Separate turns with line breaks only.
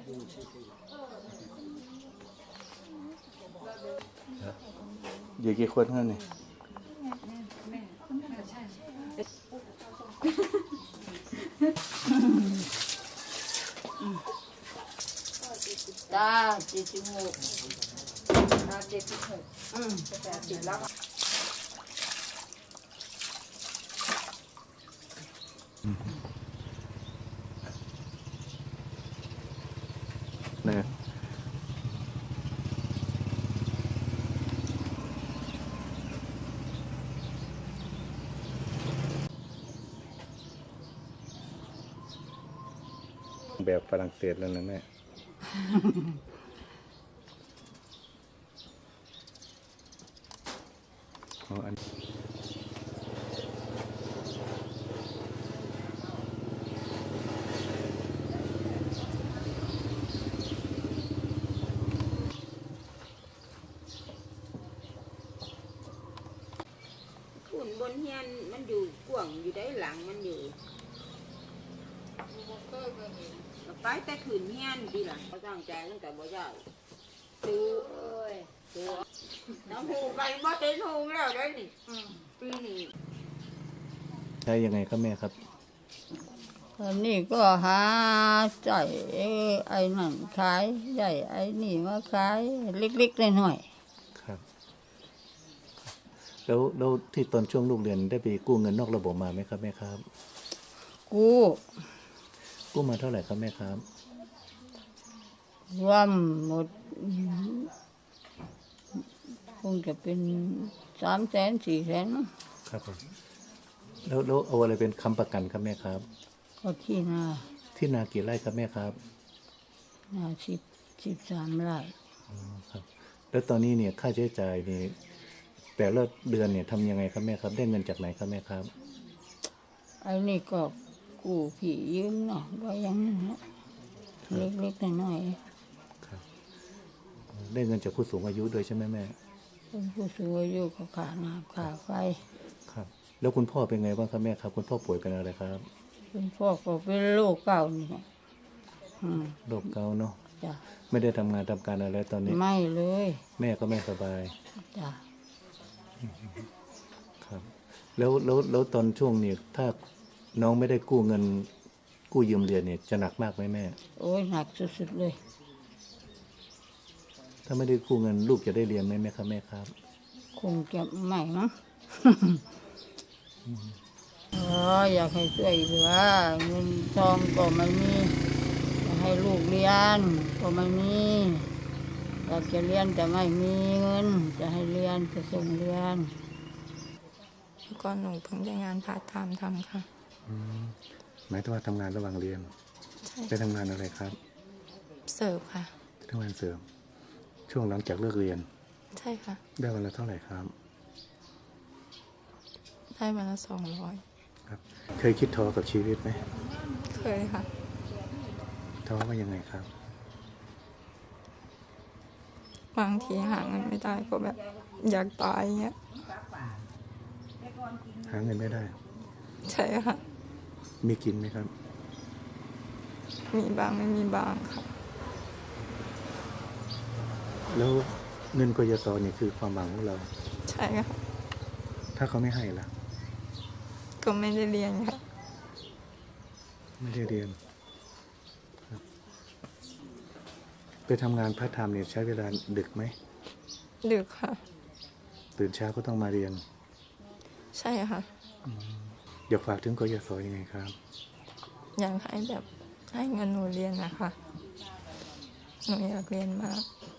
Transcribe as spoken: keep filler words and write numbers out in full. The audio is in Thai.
อยู่กี่คนครับเนี่ย
จ้าเจ็ดสิบหกจ้าเจ็ดสิบหกอืมแปดสิบแล้ว
เนี่ยแบบฝรั่งเศสแล้วนะแม่อ๋ออัน
ขุนบนเฮียนมันอยู่กว่างอยู่ได้หลังมันอยู่ไปแต่ขืนเฮียนดีหลังเขาตั้งใจตั้งแต่บ่ยาวซื้อเอ้ยซื้อน้ำหูไปบ่เต็มหูแล้วได้นี่ปีนี้
ใช้ยังไงครับแม่ครับ
อันนี้ก็หาใจไอ้นั่นขายใหญ่ไอ้นี่มาขายเล็กๆหน่อย
ๆครับแล้วแล้วที่ตอนช่วงลูกเรียนได้ไปกู้เงินนอกระบบมาไหมครับแม่ครับ
กู้
กู้มาเท่าไหร่ครับแม่ครับ
รวมหมดคงจะเป็นสามแสนสี่แสน
ครับผมแล้วแล้วเอาอะไรเป็นค้ำประกันครับแม่ครับ
ก็ที่นา
ที่นากี่ไร่ครับแม่ครับ
นาสิบสิบสามไร่
อ๋อครับแล้วตอนนี้เนี่ยค่าใช้จ่ายนี่แต่ละเดือนเนี่ยทำยังไงครับแม่ครับได้เงินจากไหนครับแม่ครับ
ไอ้นี่ก็กู้ผียืมเนาะก็ยังเล็กๆน้อย
ๆครับได้เงินจากผู้สูงอายุด้วยใช่ไหมแม่
เป็นผู้สูงอายุก็ขาน้ำขาไฟ
ครับแล้วคุณพ่อเป็นไงบ้างครับแม่ครับคุณพ่อป่วยเป็นอะไรครับ
คุณพ่อก็เป็นโรคเก่านี่
โรคเก่าเนาะ
จ้ะ
ไม่ได้ทำงานทำการอะไรตอนนี้
ไม่เลย
แม่ก็ไม่สบาย
จ้ะ
ครับแล้วแล้วแล้วตอนช่วงนี้ถ้าน้องไม่ได้กู้เงินกู้ยืมเรียนเนี่ยจะหนักมากไหมแม่
โอ้ยหนักสุดๆเลย
ถ้าไม่ได้กู้เงินลูกจะได้เรียนไหมแม่ครับแม่ครับ
คงจะไม่มั้งอ๋ออยากให้ช่วยเหลือเงินทองก็ไม่มีอยากให้ลูกเรียนก็ไม่มีอยากจะเรียนแต่ไม่มีเงินจะให้เรียนจะส่งเรียน
แล้วก็หนูเพิ่งได้งานพาร์ทไทม์ทำค่ะ
หมายถึงว่าทำงานระหว่างเรียนไปทำงานอะไรครับ
เสิร์ฟค่ะ
ทำงานเสิร์ฟช่วงหลังจากเลิกเรียน
ใช่ค่ะ
ได้วันละเท่าไหร่ครับ
ได้วันละสองร้อย
ครับเคยคิดท้อกับชีวิตไหม
เคยค่ะ
ท้อว่ายังไงครับ
บางทีหาเงินไม่ได้ก็แบบอยากตายเงี้ย
หาเงินไม่ได้
ใช่ค่ะ
มีกินไหมครับ
มีบางไม่มีบางค่ะ
แล้วเงินกยศเนี่ยคือความหวังของเรา
ใช่ค่ะ
ถ้าเขาไม่ให้ล่ะ
ก็ไม่ได้เรียนค่ะ
ไม่ได้เรียนไปทำงานพาร์ทไทม์เนี่ยใช้เวลาดึกไหม
ดึกค่ะ
ตื่นเช้าก็ต้องมาเรียน
ใช่ค่ะ
อยากฝากถึงกยศยังไงครับ
อยากให้แบบให้เงินหนูเรียนนะคะหนูอยากเรียนมาก